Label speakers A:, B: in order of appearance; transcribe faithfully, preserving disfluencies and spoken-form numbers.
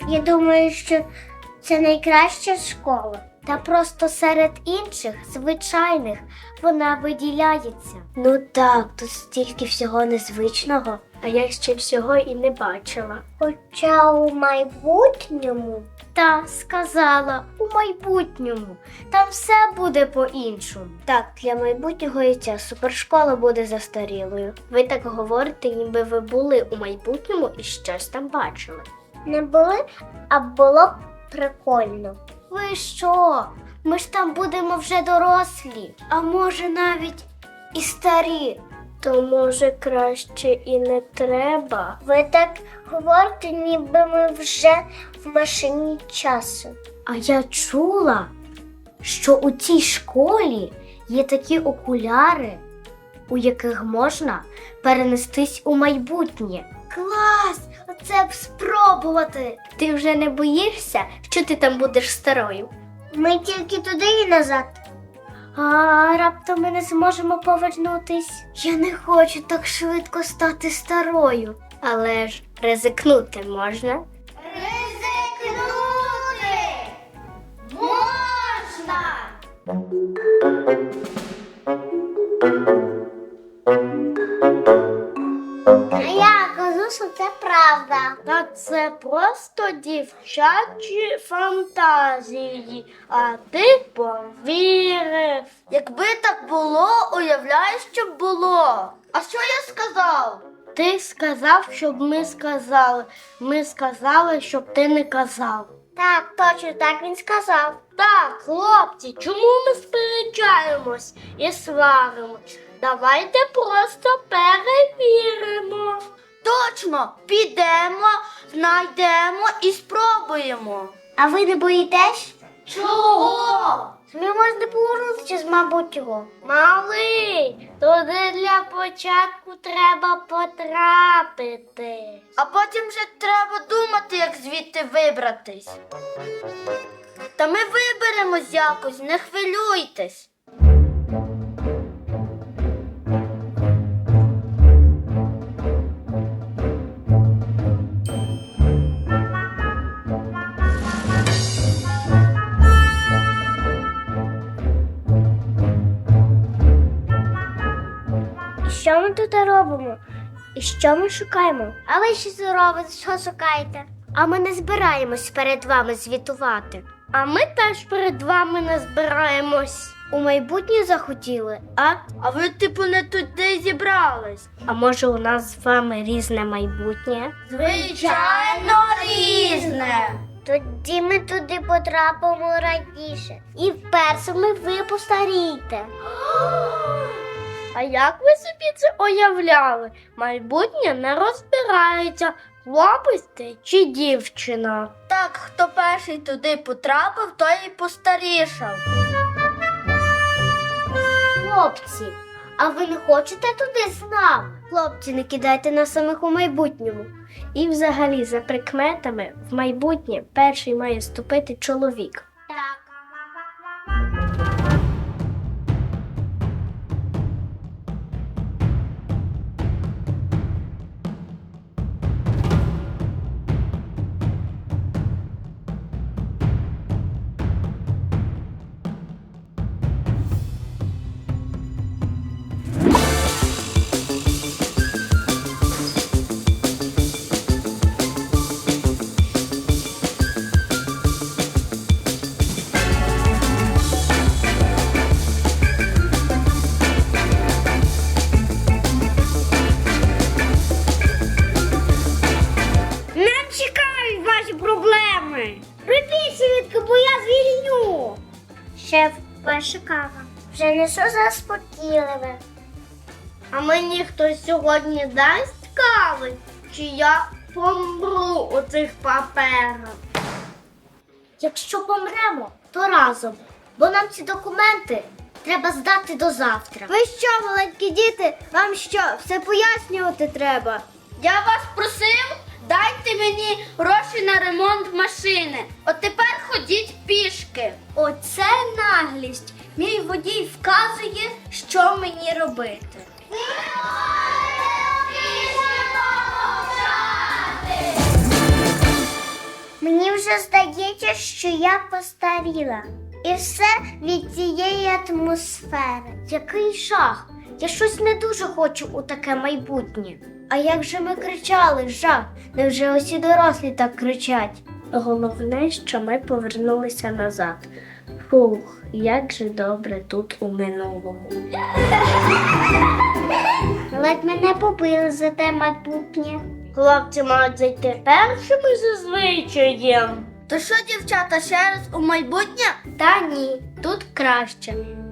A: Я думаю, що це найкраща школа. Та просто серед інших, звичайних, вона виділяється. Ну так, тут стільки всього незвичного, а я ще всього і не бачила. Хоча у майбутньому, та сказала, у майбутньому, там все буде по-іншому. Так, для майбутнього і ця супершкола буде застарілою. Ви так говорите, ніби ви були у майбутньому і щось там бачили. Не були, а було б прикольно. Ви що? Ми ж там будемо вже дорослі, а може навіть і старі. То може краще і не треба. Ви так говорите, ніби ми вже в машині часу. А я чула, що у цій школі є такі окуляри, у яких можна перенестись у майбутнє. Клас! Оце б спробувати! Ти вже не боїшся, що ти там будеш старою? Ми тільки туди і назад. А раптом ми не зможемо повернутись. Я не хочу так швидко стати старою. Але ж ризикнути можна. Ризикнути! Можна! А я кажу, що це правда. Та це просто дівчачі фантазії, а ти повірив.
B: Якби так було, уявляєш, що б було. А що я сказав?
A: Ти сказав, щоб ми сказали. Ми сказали, щоб ти не казав. Так, точно так він сказав. Так, хлопці, чому ми сперечаємось і сваримось? Давайте просто перевіримо.
B: Точно, підемо, знайдемо і спробуємо.
A: А ви не боїтесь?
B: Чого?
A: Ми можна повернутися з майбутнього. Малий, туди для початку треба потрапити.
B: А потім вже треба думати, як звідти вибратись. Та ми виберемось якось, не хвилюйтесь.
A: Що ми тут робимо? І що ми шукаємо? А ви що робите? Що шукаєте? А ми не збираємось перед вами звітувати. А ми теж перед вами не збираємось. У майбутнє захотіли, а?
B: А ви, типу, не туди зібрались?
A: А може у нас з вами різне майбутнє?
B: Звичайно, різне.
A: Тоді ми туди потрапимо раніше. І вперше ви постарієте.
B: А як ви собі це уявляли? Майбутнє не розбирається, хлопець ти чи дівчина. Так, хто перший туди потрапив, той і постарішав.
A: Хлопці, а ви не хочете туди з нами? Хлопці, не кидайте нас самих у майбутньому. І взагалі, за прикметами, в майбутнє перший має ступити чоловік. Так. Шеф, ваша кава. Вже не що заспокійливе.
B: А мені хтось сьогодні дасть кави? Чи я помру у цих паперах?
A: Якщо помремо, то разом. Бо нам ці документи треба здати до завтра.
B: Ви що, маленькі діти, вам що, все пояснювати треба? Я вас просив, дайте мені гроші на ремонт машини. От тепер ходіть пішки.
A: Оце наглість. Мій водій вказує, що мені робити. Мені вже здається, що я постаріла. І все від цієї атмосфери. Який жах! Я щось не дуже хочу у таке майбутнє. А як же ми кричали, жах? Невже усі дорослі так кричать?
B: Головне, що ми повернулися назад. Фух, як же добре тут у минулому.
A: Ледь мене побили за те майбутнє.
B: Хлопці мають зайти першими за звичаєм. То що, дівчата, ще раз у майбутнє?
A: Та ні, тут краще.